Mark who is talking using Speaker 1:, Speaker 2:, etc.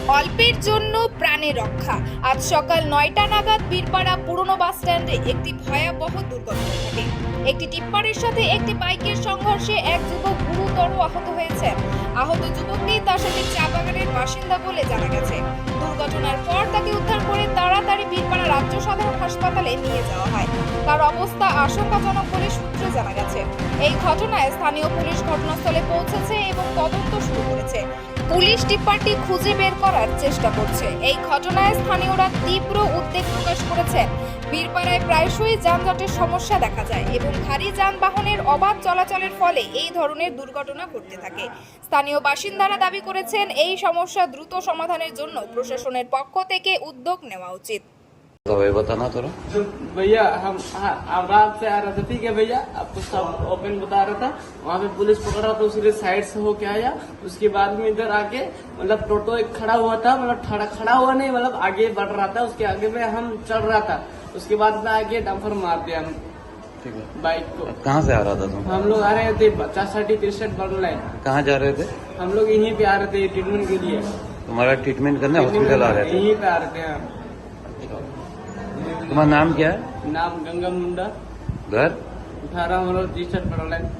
Speaker 1: অল্পের জন্য প্রাণে রক্ষা। আজ সকাল 9টা নাগাদ বীরপাড়া পুরনো বাস স্ট্যান্ডে একটি ভয়াবহ দুর্ঘটনা ঘটে। একটি টিপ্পারের সাথে একটি বাইকের সংঘর্ষে এক যুবক গুরুতর আহত হয়েছেন। আহত যুবকটি তার সাথে চা বাগানের বাসিন্দা বলে জানা গেছে। দুর্ঘটনার পর তাকে উদ্ধার করে তাড়াতাড়ি বীরপাড়া রাজ্য সাধারণ হাসপাতালে নিয়ে যাওয়া হয়। তার অবস্থা আশঙ্কাজনক বলে সূত্রে জানা গেছে। এই ঘটনায় স্থানীয় পুলিশ ঘটনাস্থলে পৌঁছেছে এবং তদন্ত শুরু করেছে। পুলিশ টিপ্পারটি খুঁজে বের করার চেষ্টা করছে। এই ঘটনায় স্থানীয়রা তীব্র উদ্বেগ প্রকাশ করেছেন। বীরপাড়ায় প্রায়শই যানজটের সমস্যা দেখা যায় এবং ভারী যানবাহনের অবাধ চলাচলের ফলে এই ধরনের দুর্ঘটনা ঘটতে থাকে। স্থানীয় বাসিন্দারা দাবি করেছেন এই সমস্যা দ্রুত সমাধানের জন্য প্রশাসনের পক্ষ থেকে উদ্যোগ নেওয়া উচিত।
Speaker 2: बताना थोड़ा।
Speaker 3: भैया हम रात से आ रहे थे, ठीक है भैया, आपको सब ओपन बता रहा था। वहाँ पे पुलिस पकड़ा तो उसके साइड से होके आया। उसके बाद में इधर आके मतलब टोटो एक खड़ा हुआ था, मतलब खड़ा हुआ नहीं, मतलब आगे बढ़ रहा था। उसके आगे में हम चल रहा था। उसके बाद में आगे डंपर मार दिया हम
Speaker 2: ठीक है।
Speaker 3: बाइक को।
Speaker 2: कहाँ से आ रहा था तुम?
Speaker 3: हम लोग आ रहे थे 50-63 बन लाइन।
Speaker 2: कहाँ जा रहे थे?
Speaker 3: हम लोग यहीं पे आ रहे थे ट्रीटमेंट के लिए।
Speaker 2: तुम्हारा ट्रीटमेंट करने हॉस्पिटल आ रहे थे?
Speaker 3: यहीं पे आ रहे थे हम।
Speaker 2: तुम्हारा नाम क्या है?
Speaker 3: नाम गंगा मुंडा,
Speaker 2: घर?
Speaker 3: 18 मतलब 63 बन लाइन।